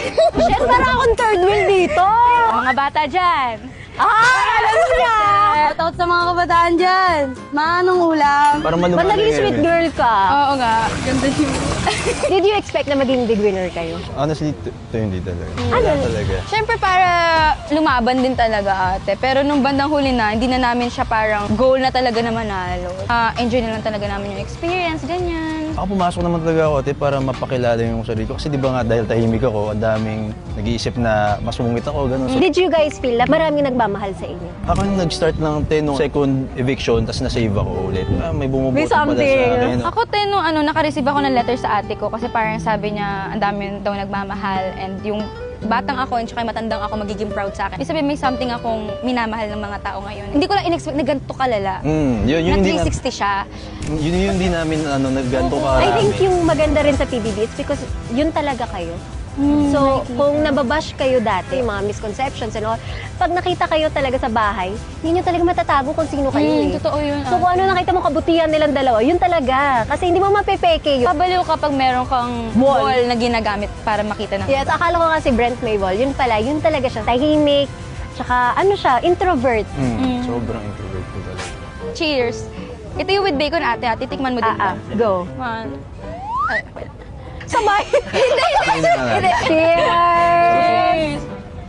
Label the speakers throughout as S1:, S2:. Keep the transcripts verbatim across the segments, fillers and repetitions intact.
S1: Shit, parang akong third wheel dito.
S2: Mga bata dyan.
S1: Ah, alam niya.
S2: Shout out sa mga kabataan dyan. Manong ulam.
S3: Parang
S1: Ba't
S3: malumanay
S1: naging sweet girl ka?
S2: Oo nga. Ganda yun.
S1: Did you expect na maging big winner kayo?
S3: Honestly, ito ito hindi talaga.
S1: Ano?
S3: Wala talaga.
S2: Siyempre para lumaban din talaga ate. Pero nung bandang huli na, hindi na namin siya parang goal na talaga na manalo. Ah, enjoy na lang talaga namin yung experience, ganyan.
S3: Ako pumasok naman talaga ako, ate, para mapakilala yung sarili ko. Kasi di ba nga, dahil tahimik ako, ang daming nag-iisip na masungit ako, gano'n. So,
S1: Did you guys feel na maraming nagmamahal sa inyo?
S3: ako yung nag-start ng ten nung second eviction, tapos na-save ako ulit. Ah, may bumubuto
S1: May
S3: pala
S1: something.
S3: sa akin.
S2: Ako te, nung ano, nakareceive ako ng letter sa ate ko kasi parang sabi niya ang dami daw nagmamahal and yung batang ako and saka yung matandang ako magiging proud sa akin. Ibig sabihin may something akong minamahal ng mga tao ngayon. Hindi ko lang in-expect na ganito kalala.
S3: Mm, yun, yun,
S2: Na
S3: hindi
S2: three
S3: na,
S2: sixty siya.
S3: yun, yun, hindi namin ano, nagganto karami.
S1: I think yung maganda rin sa P B B, it's because yun talaga kayo. So, kung nababash kayo dati, mga misconceptions and all, pag nakita kayo talaga sa bahay, yun yung talaga matatago kung sino kayo
S2: Mm,
S1: eh.
S2: totoo yun.
S1: So, kung ano nakita mo kabutihan nilang dalawa, yun talaga. Kasi hindi mo mapepeke yun.
S2: Pabaliw kapag meron kang
S1: Wall.
S2: wall na ginagamit para makita ng
S1: Yes, akala ko nga si Brent may wall. Yun pala, yun talaga siya. Tahimik, tsaka ano siya, introvert.
S3: Mm, sobrang introvert ko talaga.
S2: Cheers! Ito yung with bacon ate, ate. Tikman mo din.
S1: Ah, ah, go.
S2: One. Ay, wait.
S1: Sabay! Hindi,
S3: Hindi na
S1: hindi. Cheers!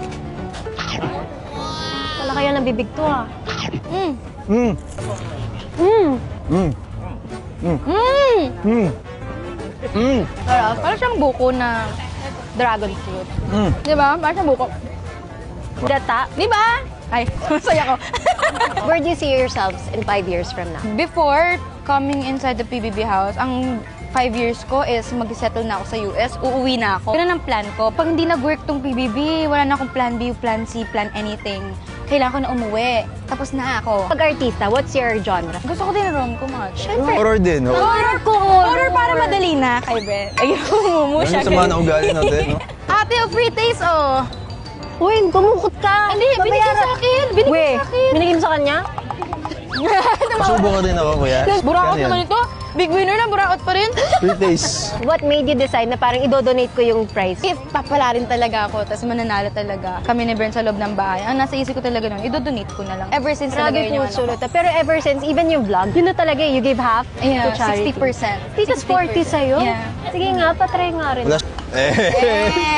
S1: Wala kaya ng bibig to ah.
S2: Mm.
S3: Mm,
S1: Mm.
S3: mm,
S2: Mm.
S3: mm, mm,
S2: Sarap. Parang siyang buko na dragon fruit.
S3: mm.
S2: Di ba? Parang siyang buko.
S1: Gata.
S2: Di ba? Ay, masaya ko.
S1: Where do you see yourselves in five years from now?
S2: Before coming inside the P B B house, ang five years ko is mag-settle na ako sa U S, uuwi na ako. Yun ang plan ko. Pag hindi nag-work tong P B B, wala na akong plan B, plan C, plan anything. Kailangan ko na umuwi. Tapos na ako.
S1: Pag artista, what's your genre?
S2: Gusto ko din rom-com much.
S3: Horror din, oh.
S2: Horror ko! Horror para madali na kay Ben. Ayun, umumu
S3: Ano
S2: siya.
S3: yung sama na ugali natin, no?
S2: Ate, oh, free taste, oh.
S1: Uy, kumukot ka!
S2: Hindi, binigay sa akin. Binigay
S1: Weh,
S2: sa akin.
S1: binigay mo sa kanya?
S3: Pasubo ka din ako, kuya.
S2: Buraot
S3: Ano yan?
S2: naman ito. Big winner na, buraot pa rin.
S3: Free taste.
S1: What made you decide na parang idodonate ko yung prize?
S2: If papala rin talaga ako, tapos mananalo talaga kami ni Bern sa loob ng bahay, ang nasa isip ko talaga nun, idodonate ko na lang. Ever since talaga
S1: Grabe
S2: yun yung
S1: po
S2: ano ko.
S1: sulot. Pero ever since, even yung vlog, yun na talaga eh, you give half
S2: Yeah,
S1: to charity.
S2: sixty percent.
S1: Tikas forty sa'yo?
S2: Yeah.
S1: Sige nga, patry nga rin.
S3: Wala. Eh.